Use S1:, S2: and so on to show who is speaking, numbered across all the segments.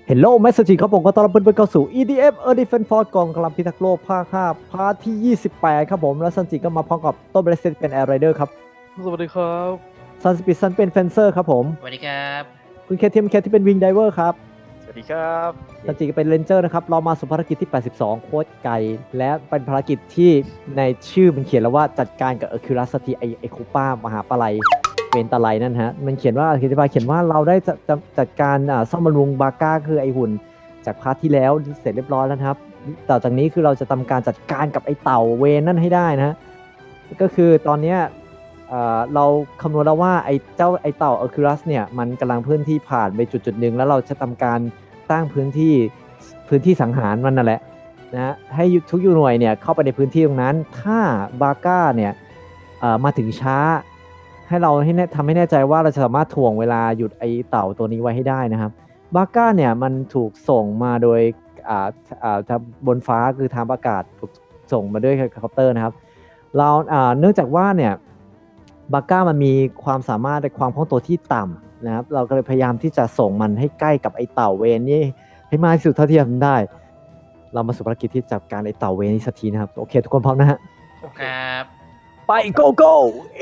S1: Hello Message ครับผมก็ต้อนรับเพื่อนๆเข้าสู่ EDF Earth Defense Force กองกำลังพิทักษ์โลกภาค5พาร์ทที่ 28 ครับผมและซันจิก็มาพร้อมกับต้นเบรสเซตเป็น Air Rider ครับ
S2: สวัสดีครับ
S1: ซันสปิดซันเป็น Fencer ครับผม
S3: สวัสดีครับ
S1: คุณเคทีมที่เป็น Wing Diver ครับ
S2: สวัสดีครับ
S1: ซันจิก็เป็น Ranger นะครับเรามาสู่ภารกิจที่ 82 โคตรไกลและเป็นภารกิจที่ในชื่อมันเขียนแล้วว่าจัดการกับ Hercules สักทีไอคูป้ามหาปลาไหลเวนตาไลนั่นฮะมันเขียนว่าอธิบายเขียนว่าเราได้จัดการซ่อมบำรุงบาก้าคือไอหุ่นจากพาร์ทที่แล้วเสร็จเรียบร้อยแล้วนะครับต่อจากนี้คือเราจะทำการจัดการกับไอเต่าเวนนั่นให้ได้นะฮะก็คือตอนเนี้ยเราคำนวณแล้วว่าไอเต่า Hercules เนี่ยมันกำลังพื้นที่ผ่านไปจุดหนึ่งแล้วเราจะทำการตั้งพื้นที่สังหารมันนั่นแหละนะให้ทุกหน่วยเนี่ยเข้าไปในพื้นที่ตรงนั้นถ้าบาก้าเนี่ยมาถึงช้าให้เราทำให้แน่ใจว่าเราจะสามารถถ่วงเวลาหยุดไอเต่าตัวนี้ไว้ให้ได้นะครับบาก้าเนี่ยมันถูกส่งมาโดยทางบนฟ้าคือทางอากาศถูกส่งมาด้วยเฮลิคอปเตอร์นะครับเราเนื่องจากว่าเนี่ยบาก้ามันมีความสามารถในความคล่องตัวที่ต่ำนะครับเราก็เลยพยายามที่จะส่งมันให้ใกล้กับไอเต่าเวนนี่ให้มากที่สุดเท่าที่ทำได้เรามาสู่ภารกิจที่จับการไอเต่าเวนนี้สักทีนะครับโอเคทุกคนพร้อมนะฮะ
S3: ครับ
S1: ไป go go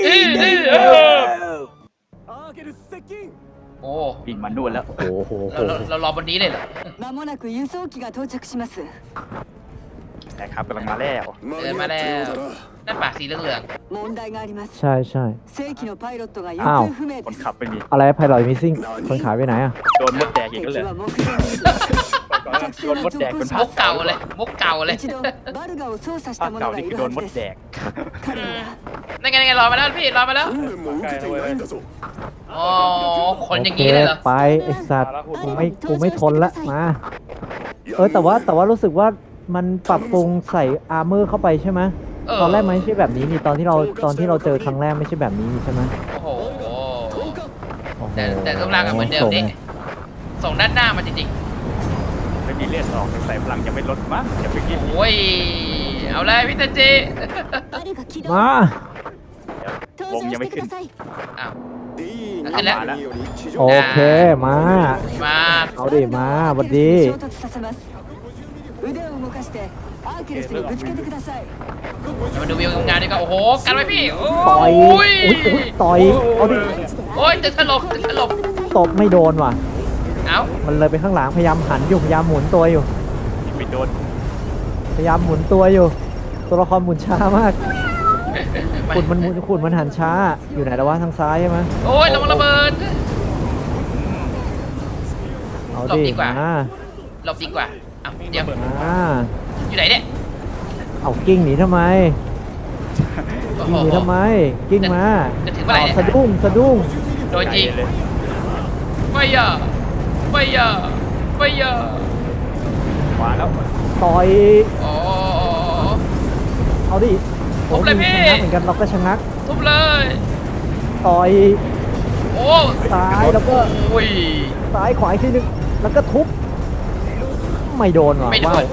S3: โอ้
S2: วิ่งมานู่นแล้ว
S1: โอ้โห
S3: เรารอบนนี้เลยเหรอ
S4: まもなく輸送機が到着します。
S2: นะครับกำลังมาแล้ว
S3: เดินมาแล้วนั่นปากสีเหลือง
S4: 問題があります。
S1: ใช่ใช่
S4: 正規のパイロットが行
S1: อ้าว
S4: 方不明
S2: ค
S4: で
S2: น
S4: す。
S2: ขับไม่มี
S1: อะไรไพลอตมิซิ่งคนขายไปไหนอ่ะ
S2: โดนมดแดกอีกแล้ว
S4: 敵
S2: เลย
S4: は目標にいる。作
S2: โด
S4: 戦
S2: น
S4: を
S2: มดแดก
S4: 続
S2: เป็น
S4: 行し
S3: ๆ
S2: ภา
S3: มุ
S2: ค
S3: กเก่าเลยมุกเก่าเลย
S4: 一度バルガを操作し
S2: ภา
S4: た
S2: ค
S4: 者
S2: เก่า
S4: が
S2: นี่
S4: い
S2: คือ
S4: る
S2: โด
S4: は
S2: น
S4: ず
S2: มด
S4: です
S2: แดก
S4: 彼は
S3: นั่นไงรอมาแล้วพี่รอมาแล้ว
S2: ใกล้เลย
S3: อ๋อคนอย่างนี้เลยเหรอ
S1: ไปไอสัตว์กูไม่ทนละมาแต่ว่ารู้สึกว่ามันปรับปรุงใส่อาร์เมอร์เข้าไปใช่ไหมตอนแรกมันไม่ใช่แบบนี้นี่ตอนที่เราเจอครั้งแรกไม่ใช่แบบนี้นี่ใช่ไหม
S3: โอ้โห
S1: โอ้โห
S3: แต่รูปร่างก็เหมือนเดิมนี่ส่งด้านหน้ามาจริง
S2: ไม่มีเลือดออกใส่พลังจะไม่ลดมั้งจะไปกิน
S3: ๆโอ้ยเอาเลยพี่ตาจี
S1: มา
S2: วงยังไม่ขึ้น
S3: อ้าวขึ้นแล้ว
S2: มาแล้ว
S1: โอเคมา
S3: มา
S1: เอาดิมาบัดดี
S4: 衝突させます。腕を動かしてアーケルスにぶつけてください。
S3: มาดูวิวงานดีกว่าโอ้โหกันไว้พี่โอ้
S1: ต่อย
S3: ย
S1: อุ๊ยต่อยเอาดิ
S3: โอ้ยจะถล่ม
S1: ตบไม่โดนว่ะ
S3: เอ้า
S1: มันเลยไปข้างหลังพยายามหันอยู่พยายามหมุนตัวอยู่
S2: ไม่โดน
S1: พยายามหมุนตัวอยู่ ตัวละครหมุนช้ามากขุนมันหันช้าอยู่ไหนแล้ววะทางซ้ายใช่ไหม
S3: โอ้ยระวังระเบิด
S1: เอา
S3: หลบ
S1: ดิ
S3: ดีกว่า
S1: มา
S3: หลบดีกว่าอ้าวเดี๋ยว
S1: มา
S3: อยู่ไหนเนี่ย
S1: เอากิ้งหนีทำไม
S3: โอ้
S1: กิ้ง
S3: โห
S1: หนีทำไมกิ้งมา
S3: จะถึงเมื่อไหร่เนี่ย
S1: สะดุ้ง
S3: โดนยิง
S2: ใจเลย
S3: ไม่ยอไม่ยอไม่ยอ
S2: ขวาแล้ว
S1: ต่อย
S3: โอ้
S1: เอาดิ
S3: ทุบเลยพี่
S1: ชะงักเหมือนกันเราก็ชะงัก
S3: ทุบเลย
S1: ต่อย
S3: โอ้
S1: ซ้ายแล้วก็
S3: โอ้ย
S1: ซ้ายขวาอีกทีนึงแล้วก็ทุบไม่โดนว่ะ
S3: ไม่โด
S1: ว้าวน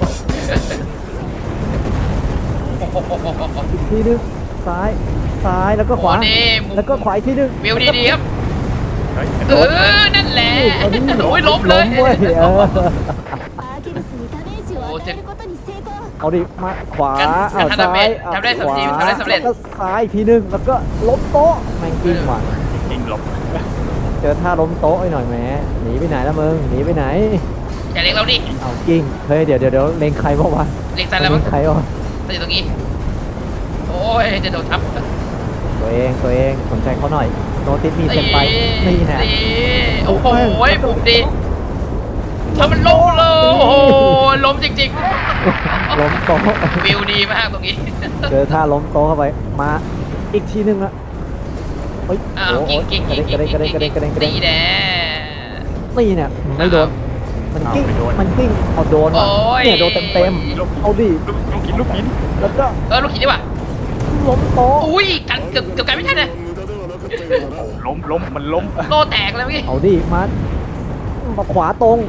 S1: อีกทีนึงซ้ายแล้วก็ขวา
S3: โอ้นี่มุม
S1: แล้วก็ขวาอีกทีนึง
S3: วิวดีๆครับ
S2: เฮ้ย
S3: เออนั่นแหละ
S1: เอาดิ
S3: โอ้ยล้มเลย
S1: ว้เออ
S5: アーケルスにダメージを与えることに成功。
S1: เอาดิมาขวา
S3: งั้น
S1: เอา
S3: ทำ
S1: ซ้าย
S3: ทำได้
S1: ขวา
S3: ทำได้สำเร็จ
S1: แล้วก็ซ้ายอีกทีนึงแล้วก็ล้มโต๊ะแม่งกิ้งว่ะ
S2: ยิงหลบ
S1: เจอท่าล้มโต๊ะไอ้หน่อยแหมหนีไปไหนละมึงหนีไปไหน
S3: อย่าเล็งเราดิ
S1: เอากิ้งเฮ้ยเดี๋ยวเล็งใครบ้างวะ
S3: เล็งใส่แล้วมั้ง
S1: ใครวะ
S3: จะอยู่ตรงนี้ โอ้ยจะโดนทับ
S1: ตัวเองสนใจเขาหน่อยโนติสมีเซ็นไปนี่แน่
S3: โอ้โหปุ่มดีเธอมันล้มเลยโอ้โหล้มจริง
S1: ล้มโต๊ะ
S3: ๆ วิวดีมากตรงนี้
S1: เจอท่าล้มโต๊ะเข้าไปมาอีกทีนึงละเฮ้ย
S3: อ้าว
S1: โอ้โห
S3: กิ้ง
S1: กระเด็น
S3: ดีแน่
S1: นี่เนี่ยไม่โดนมันกิ้งเอาโดนว่ะ
S3: โอ้ย
S1: เนี่ยโดนเต็มเอาดิ
S2: ลูกหิน
S1: แล้วก็
S3: ลูกหินดีกว่า
S1: ล้มโต๊ะ
S3: อุ้ยกันเกือบกันไม่ทันเลย
S2: ล้มมันล้ม
S3: โลแตกเลยเมื่อกี้
S1: เอาดิมาขวาตรง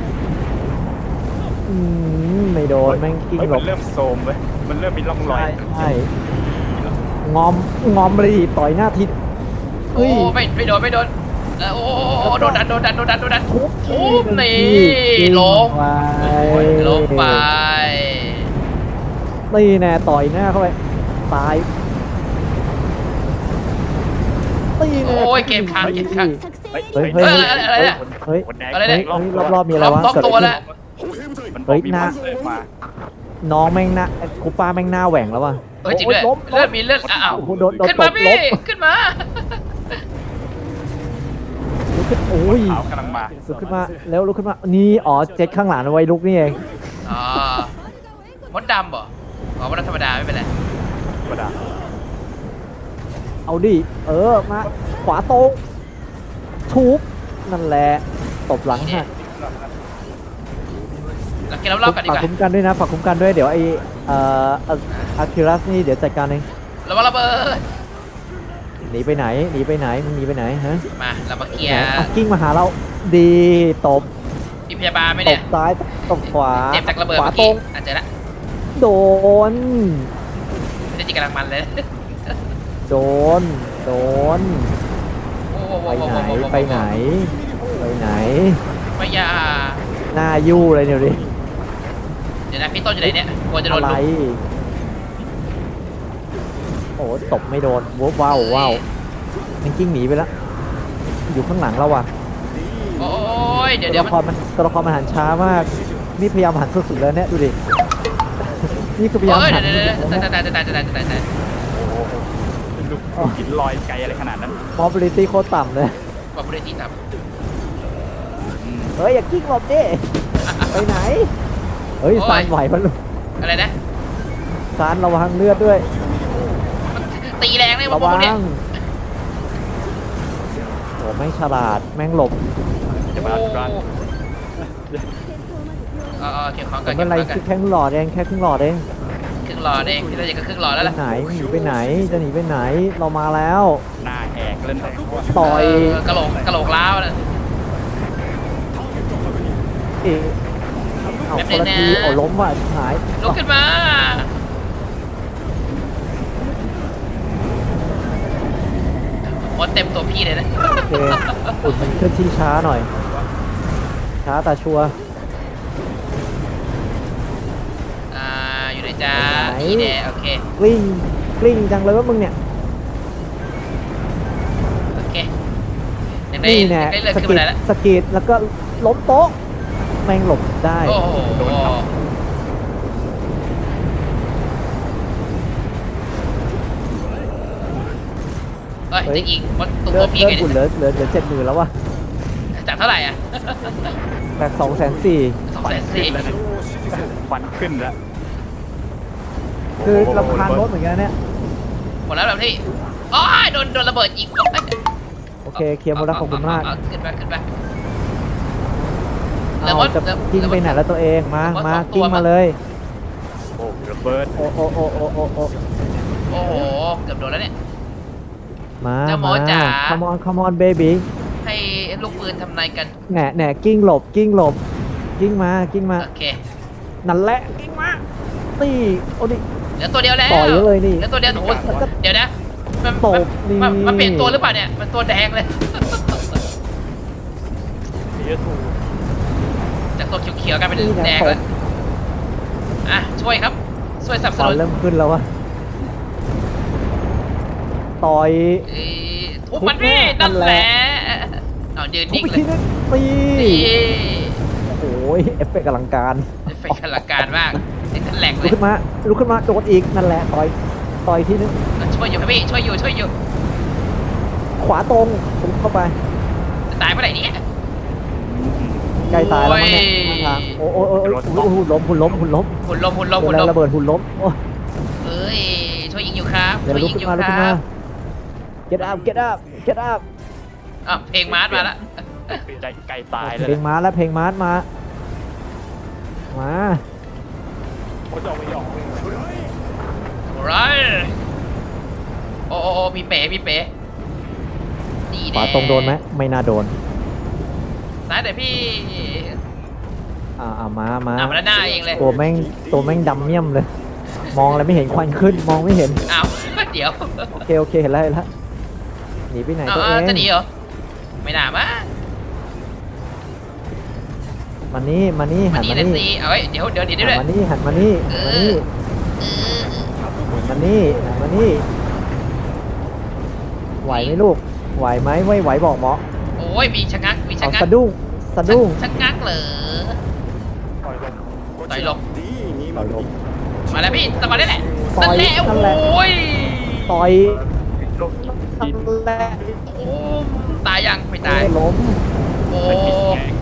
S1: ไม่โดนแม่งกิ้ง
S2: เฮ้ย
S1: หล
S2: มัน
S1: บ
S2: เริ่มโซมเว้ยมันเริ่มมีร่องรอย
S1: ใช่งอมเลยดิต่อยหน้าทิศ
S3: โอ้ไม่โดนโอ้โดนดันทุบนี่ลง
S1: ไป
S3: ลงไป
S1: นี่แน่ต่อยหน้าเข้าไปตายนี่แน่
S3: โอ้ยเกมค้าง
S5: 作
S2: เฮ้ย
S5: 戦
S1: เฮ้ย
S3: อะไรเนี่ย
S1: เฮ้ย
S2: คนแดง
S3: อะไรเนี่ย
S1: รอบๆมีอะไรวะ
S3: ล็อก
S1: เกิด
S3: ตัว
S1: อะไร
S3: แล้ว
S1: ขึ้น
S2: มันบ
S1: เฮ้
S2: อก
S1: ย
S2: มี
S1: หน้า
S2: มอนสเตอร์มา
S1: น้องแม่งหน้าคูป้าแม่งหน้าแหว่งแล้วว่ะ
S3: เฮ้ยจริงด้วย
S1: ล้ม
S3: เลือดมีเลือดอ้าว
S1: โอ้โหโดน
S3: ขึ้นมา
S1: ตบ
S3: พี่
S1: ล้ม
S3: ขึ้นมา
S1: ลุกขึ้นโอ้ย
S2: ขาวกำลังมา
S1: ลุกขึ้นมาแล้วลุกขึ้นมานี่อ๋อเจ็คข้างหลังเอาไว้ลุกนี่เอง
S3: อ๋อมดดำบ่อ๋อมดดำธรรมดาไม่เป็นไร
S2: ธรรมดา
S1: เอาดิมาขวาตรงทุบนั่นแหละตบหลังฮะ
S3: เราเก็บรอบๆกันดีก
S1: ฝาก
S3: ว่า
S1: คุ้มกันด้วยนะฝากคุ้มกันด้วยเดี๋ยวไออาคิรัสนี่เดี๋ยวจัดการเอง
S3: ระวังระเบิด
S1: หนีไปไหนมึงหนีไปไหนฮะ
S3: มาเรามาเคลีย
S1: ไหน
S3: ร์
S1: อ่ะกิ้งมาหาเราดีตบ
S3: มีพยาบาลไหม
S1: ต
S3: เนี่ย
S1: บซ้ายตบขวา
S3: เจ็บจากระเบิด
S1: ขวา
S3: เมื่อ
S1: ตร
S3: กี้
S1: ง
S3: อาจจะละ
S1: โดน
S3: ไม่ได้จีกำลังมันเลย
S1: โดน
S3: โอ้โห
S1: ไปไหน
S3: ไม่ยา
S1: หน้ายู่เลยเดี๋ยวดิ
S3: เดี๋ยวนะพี่ต้นอยู่ไหนเนี่ยกลัวจะโดน
S1: อะไร
S3: ลุก
S1: โอ้ตบไม่โดนว้าวมันกิ้งหนีไปแล้วอยู่ข้างหลังเราว่ะ
S3: โอ้ยเดี๋ยว
S1: ตัวละครมันหันช้ามากนี่พยายามหันสุดๆแล้วเนี่ยดูดิ นี่คือพยายาม
S3: เดี๋
S1: หั
S3: ย
S1: น
S3: วตาย
S2: ลูกหินลอยไกลอะไรขนาดนั้น
S1: มอบิลิตี้โคตรต่ำเลย
S3: บอกบริษัทครับ
S1: เฮ้ยอย่ากิ้งหลบดิไปไหน เฮ้ยซานไหวมัน
S3: อะไรนะ
S1: ซานระวังเลือดด้วย
S3: ตีแรงเลย
S1: ระ
S3: พว
S1: วั
S3: กเนี่ย
S1: งโอ้แม่งฉลาดแม่งหลบ
S2: จะมาร้าน
S3: เก็บของ
S1: แต่
S3: กัน
S1: ไม่
S3: เก็บของกัน
S1: เป็นไรแค่ครึ่งหลอดเองแค่ครึ่งหลอดเอง
S3: ครึ่งหลอดเองพี่ต้นจะครึ่งหลอดแล้วล่ะ
S1: ไหนหนีไปไหนจะหนีไปไหนเรามาแล้ว
S2: หน้าแหกเล่นแต่
S1: ต่อย
S3: กระโหลกล้าวนะ
S1: เอ๊ะเอาคนละทีโอ้ล้มว่ะหาย
S3: ลุกขึ้นมาหมดเต็มตัวพี่เลยนะ
S1: โอเคอุ่นมันเคลื่อนที่ช้าหน่อย ช้าแต่ชัวร์
S3: อยู่ในจ้า
S1: ไหน
S3: อีแดโอเค
S1: กลิ้งจังเลยว่ามึงเนี่ย
S3: โอเคยังได้
S1: นี่แน่
S3: ได้เลือด
S1: ส
S3: ขึ้น
S1: กิ
S3: มา
S1: ด
S3: ได้แล้ว
S1: สกิดแล้วก็ล้มโต๊ะแม่งหลบได้
S3: โอ้โหเฮ้ยจะยิงมดตัว
S1: เลือด
S3: พี่
S1: เลือ
S3: ไง
S1: ดอุ่น
S3: เนี่ย
S1: เหลือ70,000แล้ววะ
S3: จากเท่าไหร่อ่ะ
S1: แบบ240,000
S3: 240,000
S2: ควันขึ้นแล้ว
S1: คือลำพานรถเหมือนกันนะเนี่ย
S3: หมดแล้วแบบที่อ๋อโดนระเบิดยิง
S1: โอเคเคลียร์หมดแล้วขอบคุณมาก
S3: ขึ้นไปเหลือ
S1: เอา
S3: มด
S1: จะกิ้งไปไหนแล้วตัวเองมากิ้งมาเลย
S2: โอ้ระเบิด
S1: โอ้
S3: โอ้โหเกือบโดนแล้วเนี่ย
S1: มา
S3: เจ้าหมอจ๋า
S1: come on baby
S3: ให้ลูกปืนทำนายกัน
S1: แหน่กิ้งหลบกิ้งมา
S3: โอเค
S1: นั่นแหละกิ้งมาตีโอ้ดิ
S3: เหลือตัวเดียวแล้ว
S1: ต่อยเลยนี่
S3: เหลือตัวเดียวโอ้โหเดี๋ยวนะมัน
S1: ตบนี่
S3: มันเปลี่ยนตัวหรือเปล่าเนี่ยมันตัวแดงเลย
S2: เสียถูก
S3: จากตัวเขียวๆกลายเป็นแดงแล้วอ่ะช่วยครับช่วยสนับส
S1: ตอ
S3: นุ
S1: น
S3: น
S1: เริ่มขึ้นแล้ววะต่อย
S3: ทุบมันพี่นั่นแหละเอายืน
S1: ทุบ
S3: นิ่ง
S1: ไป
S3: เล
S1: ที
S3: ย
S1: นึงตี
S3: นี่
S1: โอ้ยเอฟเฟกต์อลังการ
S3: เฟกอลังการมากนี่แหลกเล
S1: ลุก
S3: ย
S1: ขึ้นมาโดดอีกนั่นแหละต่อยทีนึง
S3: ช่วยอยู่ครับพี่ช่วยอยู่
S1: ขวาตรงผมเข้าไป
S3: จะตายเมื่อไหร่เนี่ย
S1: ใกล้ตายแล้วมั้งเนี่ยทางโอ้หุ่นล้ม
S3: หุ่นลม
S1: ระเบิดหุ่นล้มโอ้
S3: เอ้ยช่วยยิงอยู่ครับ
S1: เดี๋ยว
S3: ช่วย
S1: ลุก
S3: ยิง
S1: ขึ้
S3: อน ยู่
S1: มาลุก
S3: ค
S1: ขึ้น
S3: รั
S1: มา
S3: บ
S1: get up
S3: เพลงมาร์ชมาแล้ว
S2: ใจไกลตายเลย
S1: เพลงมาแล้วเพลงมาร์ชมา
S2: เขาจะเอาไปหยอกเลย
S3: ไรโอ้มีเป๋นี่
S1: ข
S3: แน่
S1: วาตรงโดนไหมไม่น่าโดน
S3: ซ้ายแต่พี่
S1: มา
S3: มาแล้วหน้าเองเลย
S1: ตัวแม่งดำเมี่ยมเลย มองอะไรไม่เห็นควันขึ้นมองไม่เห็น
S3: อ้าวเดี๋ยว
S1: โอเคเห็นแล้วหนีไปไหนตัวเอง
S3: จะหนีเหรอไม่น่ามั้ง
S1: มานี่มานี่หัน
S3: นี่
S1: มา
S3: เลย
S1: นี่
S3: สิเอาไว้เดี๋ยวด้วย
S1: หันมานี่หันมานี่หันมานี่หันมานี่ไหวไหมลูกไหวไหมไม่ไหวบอกหมอ
S3: โอ้ยมีชะงักมีชะ
S1: เอา
S3: งัก
S1: สะดุ้งสะดุ้ง
S3: ชะงักเหรอ
S2: ปล่อยลง
S3: ต่อยลง
S1: ต่อยลม
S3: มาแล้วพี่ตะวันได้แหละ
S1: ต่อย
S3: นั่นแหละ
S1: นั่นแหละ
S3: โอ้ย
S1: ต่อย
S2: ลง
S1: นั่นแหละ
S3: โอ้ตายยังไม่ตาย
S1: ล้ม
S3: โอ้
S2: มันปิดแกง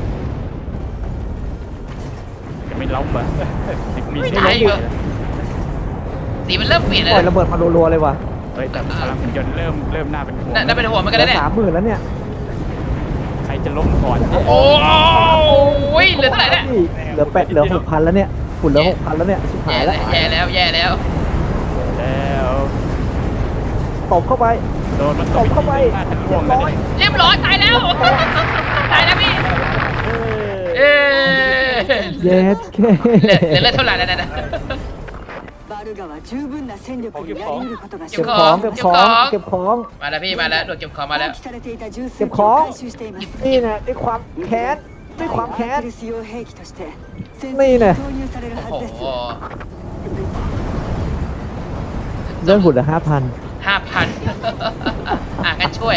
S2: จะไม่ล้มเหรอมี
S3: ไม่
S2: ใช่
S3: ตาย
S2: ล้ม
S3: เหรอสีมันเริ่มเปลี่ยน
S1: ป
S3: แล้
S1: ล่อยว
S3: นะ
S1: ระเบิดมารัวๆเลยว่ะ
S2: เฮ้ยแต่พลังหุ่นยนต์เริ่มน่าเป็นห่วง
S3: น่าเป็นห่วงเหมือน
S1: เห
S3: กัน
S1: ลื
S3: นะ
S1: อ
S3: เนี่ย
S1: 30,000แล้วเนี่ย
S2: ใครจะล้มก่อนเนี่ย
S3: โอ้ยเหลือเท่าไหร่เนี่ย
S1: เหลือเหลือ6,000แล้วเนี่ยฝุ่นเหลือ6,000แล้วเนี่ยชิบหายแล้ว
S3: แย่แล้วแย่แล้ว
S2: แล้ว
S1: ตบเข้าไป
S2: โดนมัน
S1: ตบเข้าไป
S2: น่าจะล่วงเลย
S3: เรียบร้อยตายแล้วตายแล้วพี่เอ๊ะ
S1: เย็ดแค่
S3: เหลือเท่าไหร่แล้วนะ
S4: バルガは十分な戦力になり得ることが
S1: เก็บ
S4: 証
S1: ของ
S4: 明
S1: เก็บของเก็บของ
S3: มาแล้วพี่มาแล้วโดนเก็บของมาแล้ว
S4: 放棄されていた重
S1: เก็
S4: 戦
S1: บ
S4: 機
S1: ข
S4: を
S1: อง
S4: 回収しています
S1: นี่นะด้วยความแค้นด้วยความแค้
S4: ア
S1: น
S4: ーキルス用兵器として戦争
S1: นี่
S4: に
S1: นะ
S4: 投入される
S3: โอ้
S4: はず
S3: โห
S4: です
S1: เรื่องหุ่นเหลือ5,000
S3: 5,000งั้นช่วย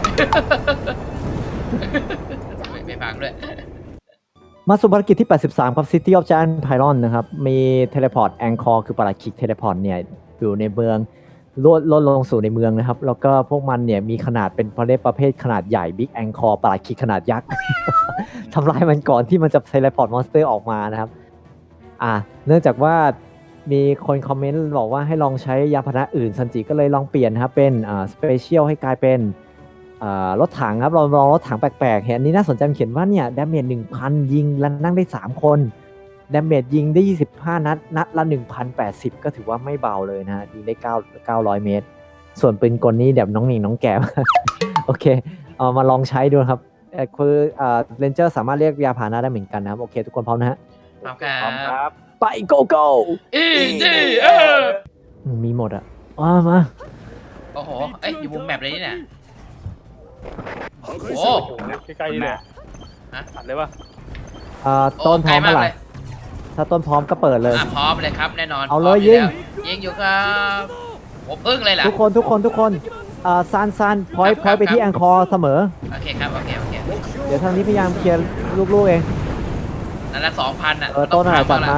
S3: ไม่ฟังด้วย
S1: มาสู่ภารกิจที่ 83 ครับ City of Giant Pylon นะครับ มีเทเลพอร์ตแองคอร์คือปราคิกเทเลพอร์ตเนี่ยอยู่ในเมืองลดลงสู่ในเมืองนะครับ แล้วก็พวกมันเนี่ยมีขนาดเป็นประเภทขนาดใหญ่ Big Anchor ปราคิกขนาดยักษ์ ทำลายมันก่อนที่มันจะเทเลพอร์ตมอนสเตอร์ออกมานะครับ เนื่องจากว่ามีคนคอมเมนต์บอกว่าให้ลองใช้ยานพาหนะอื่นซันจิก็เลยลองเปลี่ยนนะครับเป็นสเปเชียลให้กลายเป็นรถถังครับเราลองรถถังแปลกๆเห็นอันนี้น่าสนใจมันเขียนว่าเนี่ยดาเมจ 1,000 ยิงแล้วนั่งได้ 3 คนดาเมจยิงได้ 25 นัดละ 1,080 ก็ถือว่าไม่เบาเลยนะฮะยิงได้900 เมตร ส่วนปืนกลนี้เดี๋ยวน้องหนิงน้องแก้ม โอเคเอามาลองใช้ดูครับคือเรนเจอร์สามารถเรียกยาพาหนะได้เหมือนกันนะครับโอเคทุกคนพร้อมนะฮะ
S3: พร้อมค
S2: พร้อมค
S3: รั
S2: รั
S3: บบ
S1: ไป go go มีหมดอ่ะมา
S3: โอ้โหเอ้ยอยู่มุมแมปเลยนี่น่ะโอ้โห
S2: ใกล้ๆนี่แหละ
S3: ฮะ
S2: ตัดเลยป่ะ
S1: ต้นพร้อม
S3: ไกล
S1: เมื่อไห
S3: เล
S1: ร่
S3: ย
S1: ถ้าต้นพร้อมก็เปิดเลย
S3: พร้อมเลยครับแน่นอน
S1: เอาเลย
S3: พร้ม
S1: ยิง
S3: แล้วยิงอยู่ครับผมพึ่งเลยล่ะ
S1: ทุกคนซันพอย
S3: ครับ
S1: ไปที่แองคอร์เสมอ
S3: โอเคครับโอเค
S1: เดี๋ยวทางนี้พยายามเคลียร์ลูกๆเอง
S3: นั่นละ2,000อ่ะ
S1: ต้นอะไรจัดมา
S3: ละ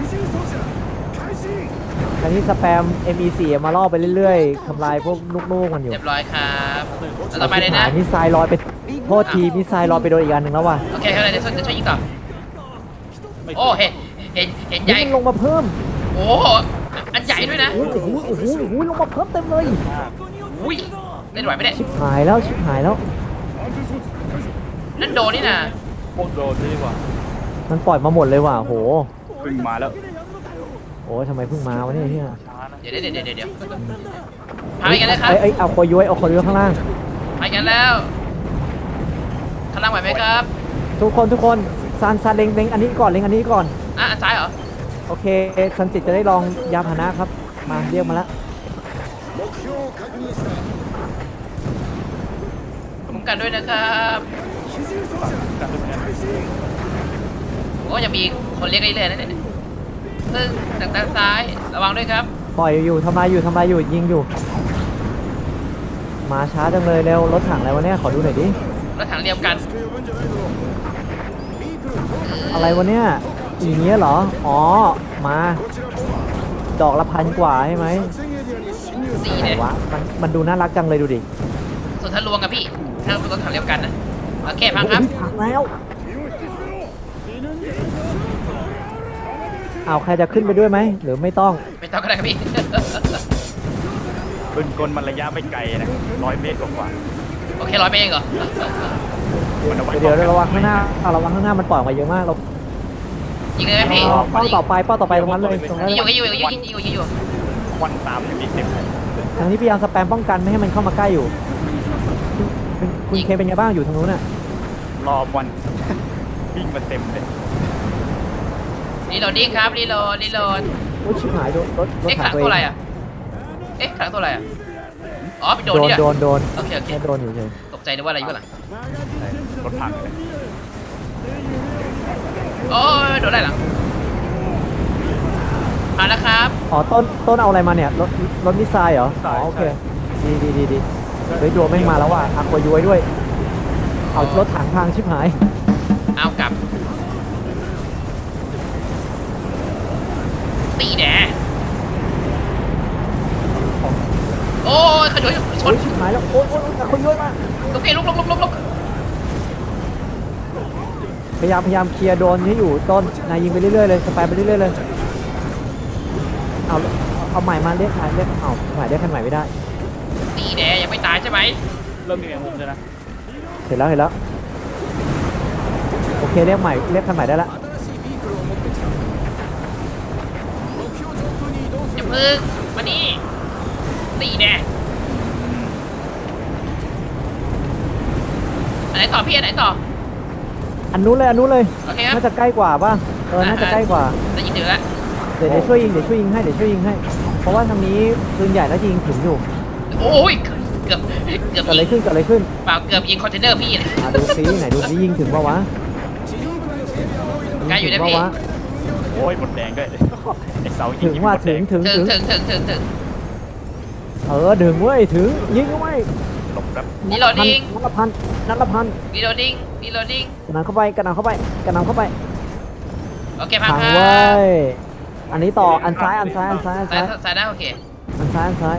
S1: ทางนี้สแปม MEC มาล่อไปเรื่อยๆทำลายพวกลูกๆมันอยู่
S3: เรียบร้อยครับแล้วต่อไปเลยนะ
S1: มิสไซล์ลอยไปโทษทีมิสไซล์ลอยไปโดนอีกอันหนึ่งแล้วว่ะ
S3: โอเคครับเดี๋ยวช่วยยิงต่อโอ้เห็นใหญ่
S1: มันลงมาเพิ่ม
S3: โอ้อันใหญ่ด้วยนะ
S1: โอ้โหลงมาเพิ่มเต็มเลย
S3: อุ้ยเล่นไหวไหมเนี่ย
S1: ชิบหายแล้ว
S3: นั่นโดนนี่นะ
S2: โคตรโดนเลยว่ะ
S1: มันปล่อยมาหมดเลยว่ะโห
S2: เพิ่งมาแล้ว
S1: โอ้ยทำไมเพิ่งมาวะเนี่ยเฮีย
S2: ช้านะ
S3: เดี๋ยวพายกันเลยครับ
S1: เอาคอยย้วยข้างล่าง
S3: พายกันแล้วข้างล่างไหวไหมครับ
S1: ทุกคนซันเล็งอันนี้ก่อนอัน
S3: อันซ้ายเหรอ
S1: โอเคซันจิตจะได้ลองยาพาหนะครับมาเรียกมาแล้ว
S3: คุ้มกันด้วยนะครับ
S2: กันทุกอย่าง
S3: โอ้ยังมีคนเรียกเรื่อยๆนะเนี่ยซึ่งทางด้านซ้ายระวังด้วยครับ
S1: ปล่อยอยู่ทำลายอยู่ยิงอยู่ มาช้าจังเลยเร็วรถถังอะไรวะเนี่ยขอดูหน่อยดิ
S3: รถถังเรียมกัน
S1: อะไรวะเนี่ยอย่างเงี้ยเหรออ๋อมาดอกละ1,000 กว่าใช่ไหม
S3: สี่
S1: ไหน
S3: เนี่ยว
S1: ะมันดูน่ารักจังเลยดูดิ
S3: ส่วนทะลวงกับพี่ถ้าเป็นรถถังเรียมกันนะโอเคพังครับ
S1: พังแล้วเอาใครจะขึ้นไปด้วยไหมหรือไม่ต้อง
S3: ไม่ต้องก็ได้ครับพี่
S2: ปืนกลมันระยะไม่ไกลนะ100 เมตรกว่า
S3: โอเค100 เมตรเองเหรอ
S2: มันเอาไว้
S1: เดี๋ยวระวังข้างหน้าระวังข้างหน้ามันปล่อยออกมาเยอะมากเรา
S3: ยิงเลยไหมพี่
S1: เป้าต่อไปตรงนั้นเลยตรงนั้น
S3: ยิงอยู่
S2: ควันตามอยู่มีเต็มเลย
S1: ทางนี้พยายามสแปมป้องกันไม่ให้มันเข้ามาใกล้อยู่คุณเคเป็นไงบ้างอยู่ทางนู้นน่ะ
S2: รอวัน วิ่งมาเต็มเลย
S3: รีโหลดดิ้งครับรีโหลด
S1: โอ้ยชิบหายรถ
S3: เอ๊ะ
S1: ถั
S3: ขั
S1: ง
S3: ง
S1: ตัว
S3: ตัวอะไร
S1: เอง
S3: อ่ะเอ๊ะขังตัวอะไรอ่ะอ๋อไปโดน
S1: โด
S3: นี่
S1: น
S3: อ่ะ
S1: โดน
S3: โอเค
S1: แค่โดนอยู่เฉย
S3: ตกกใจนึกว่าอะไรอยู่ข้างหลัง
S2: รถถังเลย
S3: โอ้ยโดนอะไรหลังมาแล้วครับ
S1: อ๋อต้นเอาอะไรมาเนี่ยรถมิสไซล์เหรออ๋อโอเคดีเฮ้ยโดนแม่งมาแล้วว่ะอักวาย้วยด้วยเอารถถังพังชิบหาย
S3: เอากลับตีแดโอ้ยขยโยช
S1: โอ้
S3: น
S1: ยชิบหายแล้วโอ้ยอักวาย้วยมา
S3: โอเคลุก
S1: พยายามเคลียร์โดนให้อยู่ต้นนายยิงไปเรื่อยๆเลยสแปมไปเรื่อยๆเลยเอาใหม่มาเรียกใหม่เอาใหม่เรียกคันใหม่ไม่ได้
S3: ตีแดยังไม่ตายใช่ไหม
S2: เริ่มมีแมงมุมเลยนะ
S1: เห็นแล้วโอเคเรียกคันใหม่ได้ละ
S3: อย่าพึ่งมานี่ตีแดอันไหนต่อพี่อันไหนต่อ
S1: อันนู้นเลย
S3: โอเคครับ
S1: น่าจะใกล้กว่าป่ะน่าจะใกล้กว่า
S3: ได้ยินถึงแล้ว
S1: เดี๋ยวช่วยยิงให้เพราะว่าทางนี้ปืนใหญ่แล้วยิงถึงอยู่
S3: โอ้ยเกือบ
S1: เกิดอะไรขึ้น
S3: เปล่าเกือบยิงคอนเทนเนอร์พี่เลย
S1: ดูซิไหนดูซิยิงถึงป่าวะ
S3: ใกล้อยู่นะพี่
S1: ถึงปะวะ
S2: โอ้ยหมดแดงด้วยไอ้เสายิ
S1: ถึงว่าถึง
S3: ถึง
S1: ถึง ถึงเว้ยถึงยิงเข้าไป
S2: หลบครับ
S3: รีโหลดดิ้ง
S1: นัดละพัน
S3: รีโหลดดิ้ง
S1: กระหน่ำเข้าไป
S3: โอเคพัง
S1: พัง
S3: ครับ
S1: เว้ยอันนี้ต่ออันซ้าย
S3: ซ้ายนะโอเค
S1: อันซ้าย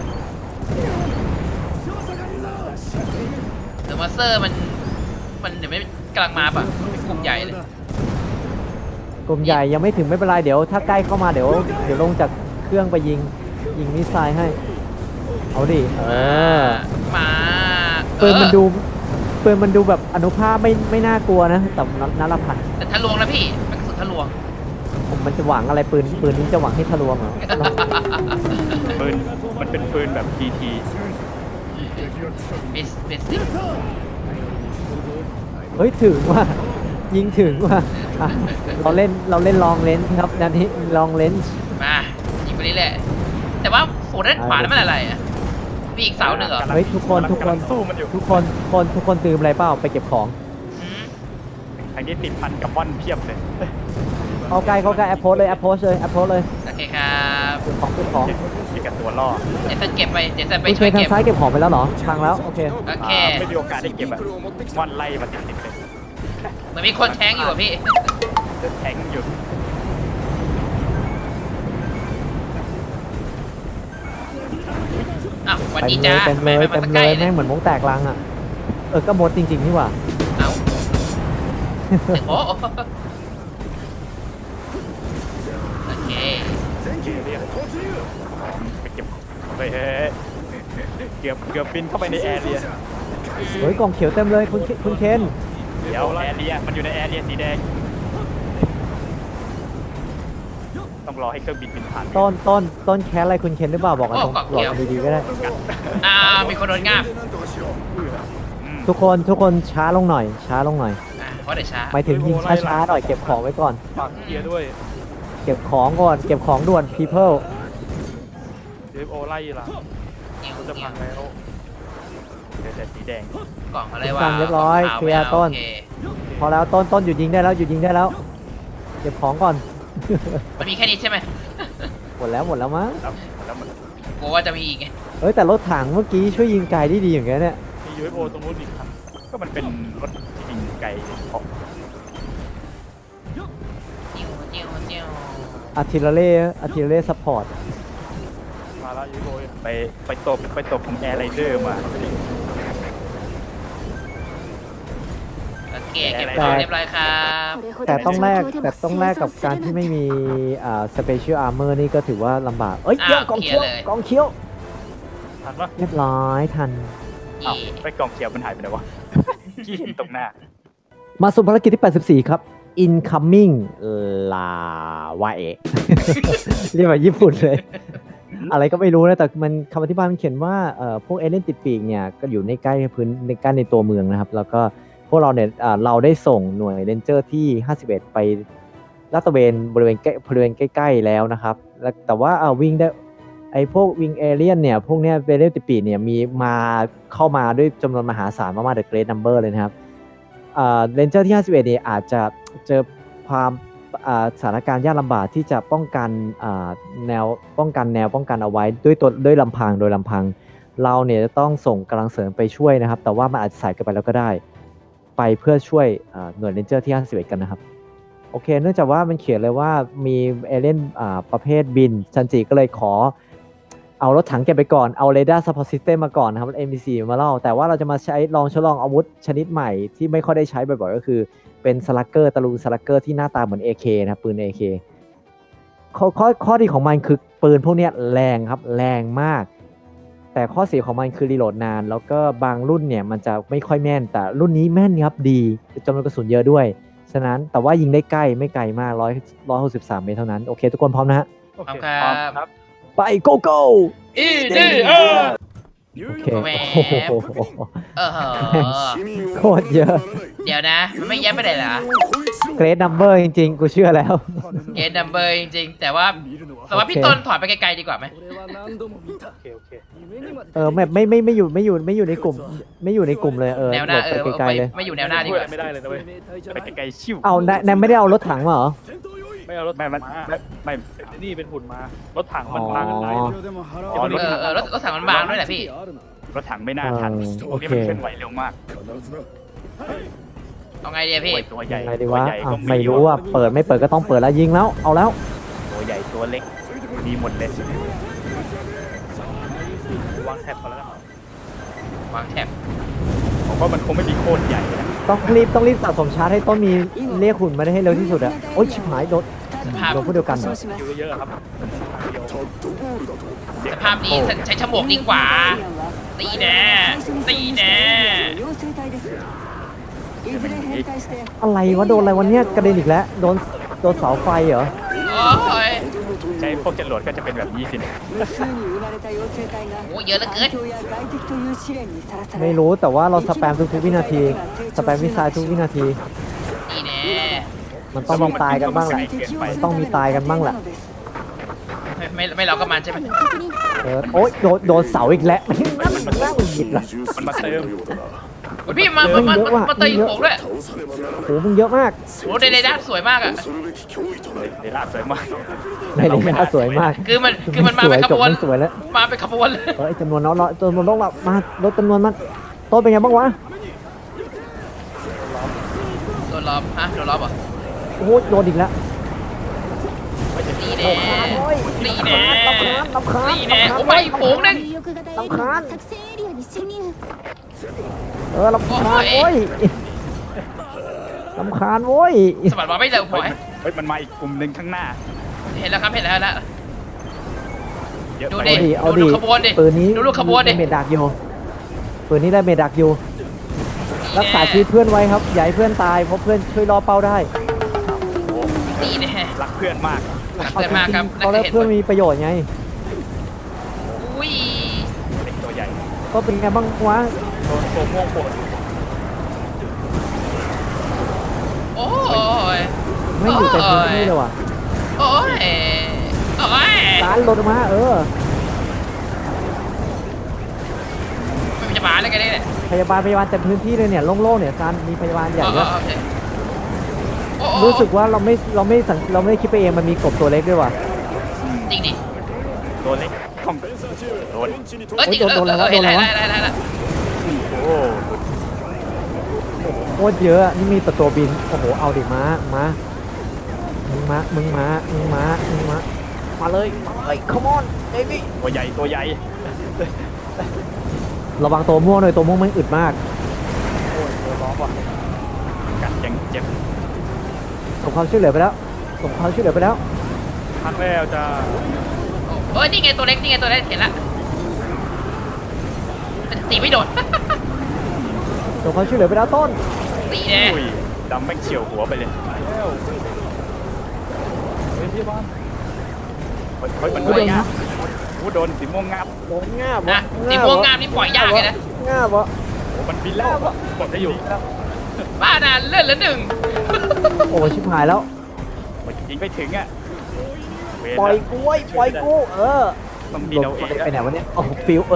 S3: เดอะมาสเตอร์มันเดี๋ยวไม่กำลังมาป่ะกลุ่มใหญ่เลย
S1: กลุ่มใหญ่ยังไม่ถึงไม่เป็นไรเดี๋ยวถ้าใกล้เข้ามาเดี๋ยวลงจากเครื่องไปยิงมิสไซล์ให้เอาดิ
S3: มา
S1: ปืนมันดูแบบอนุภาพไม่น่ากลัวนะแต่นัดละพัน
S3: แต่ทะลวงนะพี่มันกระสุนทะลวง
S1: มันจะหวังอะไรปืนนี้จะหวังให้ทะลวงเหรอ
S2: ปืนมันเป็นปืนแบบ TT
S3: เบสิก
S1: เฮ้ยถึงว่ะยิงถึงว่ะอ่ะเราเล่นลองเลนส์ครับนันนี้ลองเลนส์
S3: มายิงไปเรื่อยๆแต่ว่าโหด้านขวานั้นมันอะไรอ่ะมีอีกเสาหนึ่งเหรอ
S1: เฮ้ยทุกคน
S2: กำลังสู้มันอยู่
S1: ทุกคนตื่นอะไรเปล่าไปเก็บของ
S3: อืม
S2: ทางนี้ติดพันกับม่อนเพียบเลย
S1: เข้าใกล้แอปโพสเลย
S3: โอเคครับ
S1: เก็บของ
S2: ที่กับตัวล่อ
S3: เดี๋ยวจะเก็บไปเดี๋ยวจะไป
S1: คุณ
S3: ช่วย
S1: ทาง
S3: เก็บ
S1: ซ้ายเก็บของไปแล้วเหรอพังแล้วโอเค
S3: โอเค
S2: ไม่มีโอกาสได้เก็บอะม่อนไล่มาติดเลย
S3: มันมีคนแทงอยู่อ่ะพี่
S2: เดินแทงอยู่
S3: อ้าวสวัสดีจ้า
S1: เต็มเลย
S3: มาสักใกล้เล
S1: แม่
S3: ย
S1: งเหมือนมงแตกลังอ่ะก็หมดจริงๆนี่หว่า
S3: เอ้าโอ้โอเค
S2: ไปเก็บไปเกือบบินเข้าไปในแอร์เรีย
S1: เฮ้ยกล่องเขียวเต็มเลยคุณเคน
S2: เดี๋ยวแอร์เรียมันอยู่ในแอร์เรียสีแดงต้องรอให้เครื่องบินบินผ่าน
S1: ต้นแคสอะไรคุณเคนหรือเปล่าบอกกันตรงบอกกันดีๆก็ได้
S3: มีคนโดนงาบ
S1: ทุกคนช้าลงหน่อย
S3: เพราะเดี๋ยวช้า
S1: หมายถึงยิงช้าๆหน่อยเก็บของไว้ก่อน
S2: ฝากเกียร์ด้วย
S1: เก็บของด่วน people
S2: เดฟโอไล่ล่ะจะพังแล้วเดี๋ยวแต่สีแดง
S3: กล่องอะไรวะ
S1: สั่งเรียบร้อยเคลียร์ต้น พอแล้วต้นหยุดยิงได้แล้วเก็บของก่อน
S3: มันมีแค่นี้ใช่ไหม
S1: หมดแล้วมั้ง
S2: แล้วมัน
S3: กลัวว่าจะมีอีกไง
S1: เฮ้ยแต่รถถังเมื่อกี้ช่วยยิงไกลได้ดีอย่างเงี้ยเนี่ย
S2: มี UFO ตรงนู้นอีกครับก็มันเป็นรถที่ยิงไกลของ
S3: จิ้ว
S1: อาร์ติเลเร่ซัพพอร์ต
S2: มาแล้ว UFO ไปตบของแอร์ไรเดอร์มา
S3: โอเคเก็บของเรียบร้อยครับ
S1: แต่ต้องแลกกับการที่ไม่มีสเปเชียลอาร์เมอร์นี่ก็ถือว่าลำบากเอ้ยเดี๋ยวกองเขียว
S2: ทันปะ
S1: เรียบร้อยทัน
S2: อ้าวไปกองเขียวมันหายไปไหนวะขี้เห็นตรงหน้า
S1: มาสู่ภารกิจที่84ครับ incoming ลาวาเอะ เรียกว่าญี่ปุ่นเลย อะไรก็ไม่รู้นะแต่มันคำอธิบายมันเขียนว่าพวกเอเลี่ยนติดปีกเนี่ยก็อยู่ในใกล้ในตัวเมืองนะครับแล้วก็พวกเราเนี่ยเราได้ส่งหน่วยเรนเจอร์ที่51ไปลาดตระเวนบริเวณใกล้ๆแล้วนะครับแล้วแต่ว่าวิ่งไอ้พวกวิงเอเลียนเนี่ยพวกเนี้ยเวเลติปีเนี่ยมีมาเข้ามาด้วยจำนวนมหาศาลมากๆ The Great Number เลยนะครับเรนเจอร์ที่ 51เนี่ยอาจจะเจอความสถานการณ์ยากลำบากที่จะป้องกันแนวป้องกันเอาไว้ด้วยลำพังโดยลำพังเราเนี่ยจะต้องส่งกำลังเสริมไปช่วยนะครับแต่ว่ามันอาจจะสายเกินไปแล้วก็ได้ไปเพื่อช่วยหน่วยเรนเจอร์ที่ 51กันนะครับโอเคเนื่องจากว่ามันเขียนเลยว่ามีเอเลี่ยนประเภทบินซันจิก็เลยขอเอารถถังเก็บไปก่อนเอาเรดาร์ซัพพอร์ตซิสเต็มมาก่อนนะครับ MBC มาเล่าแต่ว่าเราจะมาทดลองอาวุธชนิดใหม่ที่ไม่ค่อยได้ใช้บ่อยๆก็คือเป็นสลักเกอร์ตะลุงสลักเกอร์ที่หน้าตาเหมือน AK นะครับปืน AK ข้อดีของมันคือปืนพวกนี้แรงครับแรงมากแต่ข้อเสียของมันคือรีโหลดนานแล้วก็บางรุ่นเนี่ยมันจะไม่ค่อยแม่นแต่รุ่นนี้แม่นครับดีจำนวนกระสุนเยอะด้วยฉะนั้นแต่ว่ายิงได้ใกล้ไม่ไกลมาก163 เมตรเท่านั้นโอเคทุกคนพร้อมนะฮะ
S2: โอเค
S3: ค
S2: พร้อม
S3: รับ
S2: ครับ
S1: ไป go go
S3: อีดีเออ
S1: โอเค
S3: แหม
S1: โอ้โห โคตรเยอะ
S3: เดี๋ยวนะ มันไม่แย้มไปไหนเหรอ
S1: เกรดนัมเบอร์จริงๆ กูเชื่อแล้ว
S3: เกณฑ์นัมเบอร์จริงๆ แต่ว่าพี่ต้นถอยไปไกลๆดีกว่าไหม
S2: โอเคโอเค
S1: ไม่อยู่ในกลุ่มไม่อยู่ในกลุ่มเลย
S3: แนวหน้า
S1: หลบไปไกลๆเลย
S3: ไม่อยู่แนวหน้าดี
S2: ช่
S3: ก
S2: วย
S3: ว่า
S2: ไม่ได้เลยนะเว้ยไปไกลๆชิว
S1: เอานายไม่ได้เอารถถังมาเหรอ
S2: ไม่เอารถ
S6: ไม่
S2: ถัง
S6: มัน
S2: มา
S6: ไม่
S2: นี่เป็นหุ่นมารถถังมันมากันไหน
S6: อ๋อ
S3: รถถังมันบางด้วยแหละพี่
S6: รถถังไม่น่าทัน
S1: โอเค
S6: นี่มันเคลื่อนไหวเร็วมาก
S3: เอาไงดีอะพี่
S6: โอ้ยตัวใหญ่
S1: ไงดี
S6: ตัว
S1: วะ
S6: ใหญ่
S1: อ่ะ
S6: ก็
S1: ไม่รู้ว่าเปิดไม่เปิดก็ต้องเปิดแล้วยิงแล้วเอาแล้ว
S6: ตัวใหญ่ตัวเล็กมีหมดเลย
S2: วางแท็บก่อนแล้วกัน
S3: วางแท็บ
S6: ผมว่ามันคงไม่มีโคตรใหญ่นะ
S1: ต้องรีบสะสมชาร์จให้ต้นมีเรียกหุ่นมาได้ให้เร็วที่สุดอะโอ๊ยชิบหายโดนพวกเดียวกันเหรอ
S2: คิวเยอะๆครับ
S3: สภาพนี้ใช้ฉมวกดีกว่า ตีแน่ตีแน่
S1: อะไรวะโดนอะไรวันเนี้ยกระเด็นอีกแล้วโดนเสาไฟเหรอ
S3: โอ้ย
S6: ใช้พวกจรวดก็จะเป็นแบบนี้สิ
S3: โอ้เยอะเหลือเกิน
S1: ไม่รู้แต่ว่าเราสแปมทุกวินาทีสแปมมิสไซล์ทุกวินาที
S3: ตีแน่
S1: มันต้องมีตายกันบ้างแหละมันต้องมีตายกันบ้างแหละ
S3: ไม่เราก็มันใช่ไหม
S1: โอ๊ยโดนเสาอีกแล้วนั่งหยิบละ
S6: มันมาเติม
S3: โอ้ยพี่มาตีผมด้วย
S1: โหมึงเยอะมาก
S3: โอ้ในด้านสวยมากอ่ะ
S6: เดล่าสวยมาก
S1: ในนี้น่าสวยมาก
S3: คือมันมาเป็นข
S1: จบบ
S3: วน
S1: ไม่สวยแล้ว
S3: มาเป็นขบวนเลย
S1: จำนวนน้อยจำนวนต้องรับมาลดจำนวนมันโต๊ะเป็นไงบ้างวะ
S3: โดนล้อมฮะโดนล้อมเหรอ
S1: โอ้โหโดนอีกแล้ว
S3: ตีแน่ตีแน่
S1: ลำคาญ
S3: ตีแน่โอ้ไปฝูงนึง
S5: 有力型エイリアンが作戦エリアに侵入
S1: ลำคาญโว้ยลำคาญโว้ย
S3: สมัครมาไม่เร็วพอ
S6: เฮ้ยมันมาอีกกลุ่มหนึ่งข้างหน้า
S3: เห็นแล้วครับเห็นแล้ว
S6: เยอะ
S3: ดู
S6: ไป
S3: ดิ
S1: เอาดิ
S3: ขบวนดิ
S1: ปืนนี้
S3: ดูลูกขบวนดิ
S1: ได้เมดักอยู่ปืนนี้ได้เมดักอยู่รักษาชีวิตเพื่อนไว้ครับอย่าให้เพื่อนตายเพราะเพื่อนช่วยรอเป้าได้
S3: ตีแน่
S6: รักเพื่อนมาก
S3: เกิดมาครับ
S1: ตอนแรกเพื่อนมีประโยชน์ไง
S3: อุ้ย
S6: เด็กตัวใหญ่
S1: ก็เป็นไงบ้างวะ
S2: โดนตัวม่วงปวด
S3: โอ้ย
S1: ไม่อยู่ใจพื้นที่เลยว่ะ
S3: โอ้ยโอ้ย
S1: ร้านรถออกมา
S3: ไม่จะมาเลยกันเนี่ย
S1: พยาบาลเต็มพื้นที่เลยเนี่ยโล่งๆเนี่ยซานมีพยาบาลใหญ่ด้วย
S3: โอเค
S1: รู้สึกว่าเราไม่ได้คิดไปเองมันมีกบตัวเล็กด้วยว่ะ
S3: จริงดิ
S6: ตัวเล็กของโดน
S3: จริงเห็นแล้ว
S6: โอ้
S1: โคตรเยอะนี่มีแต่ตัวบินโอ้โหเอาดิมามึงมาเลย come on baby
S6: ตัวใหญ่ตัวใหญ่
S1: ระวังตัวม่วงหน่อยตัวม่วงมันอึดมาก
S2: โอ้ยตัวล้อมว่ะ
S6: กัดยังเจ็บ
S1: ส่งความช่วยเหลือไปแล้ว
S2: พักแล้วจ้า
S3: โอ้ยนี่ไงตัวเล็กเห็นละตีไม่โดน
S1: ส่งความช่วยเหลือไปแล้วต้น
S3: ตีแน่
S6: อุ้ยดำแม่งเฉียวหัวไปเลย
S2: แล้วเฮ้ยพี่บ้าน
S6: เฮ้ยมัน
S1: โอ้ย
S6: งับโอ้โดนสีม่วงงับ
S1: โดนง่าบ
S3: นะสีม่วงงามนี่ปล่อยยากเลยนะ
S1: ง่าบวะ
S6: โอ้มันบินแล้วกดได้อยู่
S3: บ้านานเลื่อนละหนึ่ง
S1: โอ้ยชิบหายแล้ว
S6: มันยิงไม่ถึงอ่ะเวร
S1: ปล่อย
S6: ละ
S1: กูเว้ยปล่อยกู
S6: ต้องมี
S1: ล
S6: เรา
S1: ง
S6: เอง
S1: ไปไหนวะเนี่ยโอ้ฟิว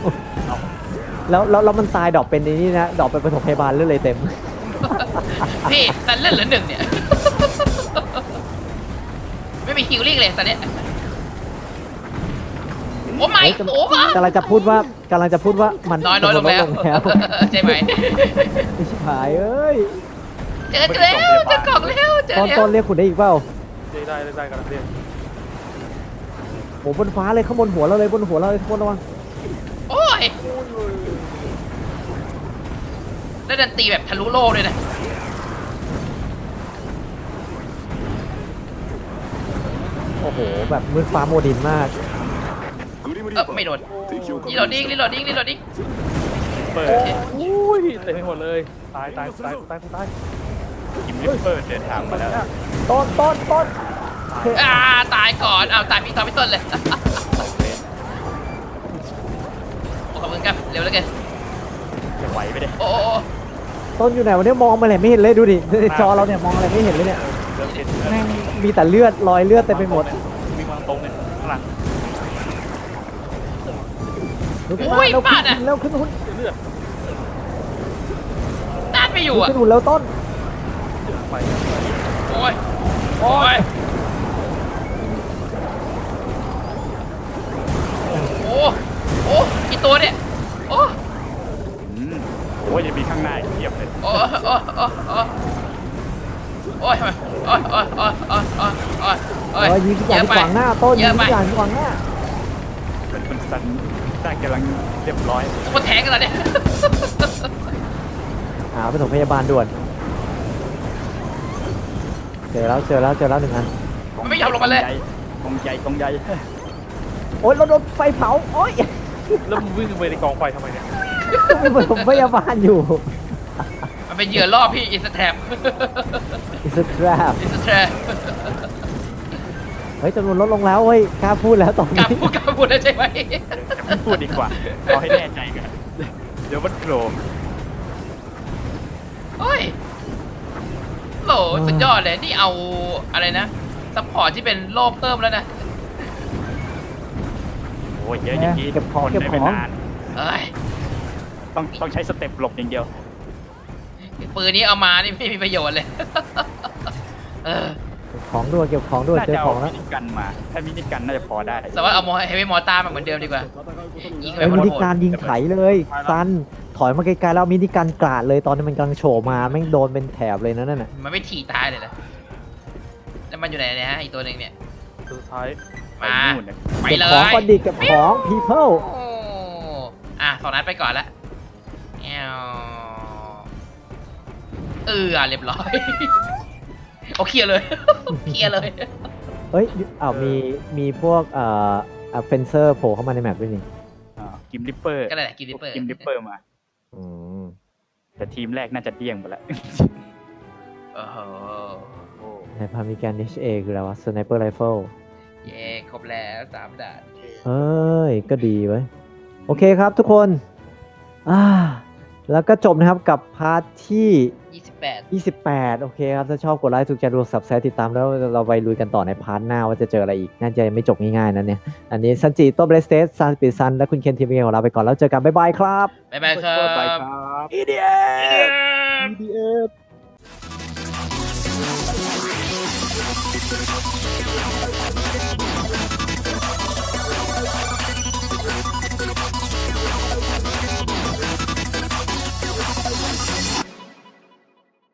S1: แล้วมันตายดอกเป็นในนี่นะดอกเป็นปฐมพยาบาลเรื่อยเลยเต็ม
S3: พี่แต่เล่นเหลือหนึ่งเนี่ย ไม่มีฮิลลิ่งเลยตอนเนี้ยโอ้ไม่
S1: เฮ้ย
S3: โอ้มาก
S1: ำลังจะพูดว่ามัน
S3: น้อยลงแล้ว
S1: แล้ว
S3: ใช่ไหม
S1: ไม่ใช่หายเอ้ย
S3: เจอแล้วเจอกล่องแล้วเจอ
S1: ตอน
S3: แล้ว
S1: ตอนเรียกคุณได้อีกเปล่า
S2: ได้กันนะพี่
S1: โหบนฟ้าเลยข้างบนหัวเราเลยบนหัวเราเลยทุกคนระวัง
S3: โอ้ยแล้วดันตีแบบทะลุโลกเลยนะ
S1: โอ้โหแบบมืดฟ้าโมดินมาก
S3: ไม่โดนรีโหลดดิ้ง
S2: เปิดโอ้ยเต็มไปหมดเลยตาย
S6: กิมลิปเปอร์เดินทางมาแล้ว
S1: ต้น
S3: ตายก่อนเอาตายพี่ตอนพี่ต้นเลยโอ้ขอบคุณครับเร็วแล้วกัน
S6: จะไหวไปเลย
S3: โอ้
S1: ต้นอยู่ไหนวันนี้มองมาเลยไม่เห็นเลยดูดิในจอเราเนี่ยมองอะไรไม่เห็นเลยเนี่ย
S2: เริ่มเห็น
S1: แม่งมีแต่เลือดรอยเลือดเต็มไปหมด
S2: มีวางตรงเนี่ยข้างหลัง
S1: ดูขึ้นมาแล้วขึ้นหุ่น
S2: เลือด
S3: ต้านไม่อยู่อ่ะ
S1: ขึ้นหุ่นแล้วต้น
S2: ไป
S3: โอ้ยโอ้กี่ตัวเนี่ยโอ้
S6: โอ้ยยังมีข้างหน้าอีกเทียบเลย
S3: โอ้ยทำไมโอ้ย
S1: ยิงทุกอย่างที่ขวางหน้าต้นยิงทุกอย่างที่ขวางหน้า
S6: มันสันได้กำลังเรียบร้อย
S3: มันแทงกันแล้วเนี่ย
S1: หาไปส่งพยาบาลด่วนเจอแล้วหนึ่งอัน
S3: มันไม่ยอมลงมาเลย
S6: กองใหญ่
S1: โอ๊ยเราโดนไฟเผาโอ๊ย
S2: แล้วมึงวิ่งไปในกองไฟทำไมเนี่ย
S1: มีผสมพยาบาลอยู่
S3: มันเป็นเหยื่อล่อพี่อินสแตรป
S1: It's a trap
S3: อินสแตรป
S1: เฮ้ยจำนวนลดลงแล้วเฮ้ยกล้าพูดแล้วตอน
S3: กล้า
S1: นี้
S3: พูดได้ใช่ไหม
S6: จะไม่พูดดีกว่าเอาให้แน่ใจกันเดี๋ยวมันโผล่
S3: โอ้ยโหสุดยอดเลยนี่เอาอะไรนะซัพพอร์ตที่เป็นโล่เพิ่มแล้วนะ
S6: โอ้ยเยอะอย่างนี้
S1: เก็บของ
S6: ทนได้ไม่นาน
S3: เอ้ย
S6: ต้องใช้สเต็ปหลบอย่างเดียว
S3: ปืนนี้เอามานี่ไม่มีประโยชน์เลย เออ
S1: ของด้วยเก็บของด้วย
S6: น่า
S1: เจอ
S6: จะ
S1: ข
S6: เอา
S1: องแล้ว
S6: มินิกันมาถ้ามินิกันน่าจะพอได้
S3: แต่ว่าเอาเฮฟวี่มอร์ตาร์มาเหมือนเดิมดีกว่ายิงไป
S1: เอ้ย
S3: หม
S1: มิ
S3: ด
S1: นิการยิงไถเลยซันถอยมาไกลๆแล้วมินิการกราดเลยตอนนี้มันกำลังโฉบมาแม่งโดนเป็นแถบเลยนะนั่นน่ะ
S3: มันไม่ถีตายเลยนะแล้วมันอยู่ไหนเนี่ยฮะอีกตัวหนึ่งเนี่ย
S2: สุดท้าย
S6: ไป
S3: มา
S6: นู่นเนี่ย
S3: ไป
S1: เก็บ
S3: เล
S1: ของ
S3: ย
S1: ก่อนดิเก็บของ people
S3: โอ้สองนัดไปก่อนละแอวเรียบร้อย โอเคลียร์เลย เคลียร์เลย
S1: เอ้ยอ้าวมีพวกเฟนเซอร์โผล่เข้ามาในแมปด้วยนี่
S6: กิมลิปเปอร์
S3: ก็นั่นแหละกินดิปเปอร์
S6: กิมลิปเปอร์มา
S1: อืม
S6: แต่ทีมแรกน่าจะเดี้ยงไปแล้ว
S3: โอ้โห
S1: ในพามิการ HA คืออะไรวะ Sniper Rifle
S3: เย้ครบแล้ว3ด่าน
S1: เอ้ย ก็ดีเว้ย โอเคครับทุกคน แล้วก็จบนะครับกับพาร์ทที่
S3: 28
S1: 28 โอเคครับ ถ้าชอบกดไลค์ถูกใจดูสับสไครติดตามแล้วเราไปลุยกันต่อในพาร์ทหน้าว่าจะเจออะไรอีก น่าจะไม่จบง่ายๆนะเนี่ย อันนี้ซันจิโต้เบรสเตสซันปิซันและคุณเคนทีมเองของเราไปก่อนแล้วเจอกัน บ๊ายบายครับ
S3: บ๊ายบายครั
S6: ไป
S3: บ
S6: ครับ
S1: EDF EDF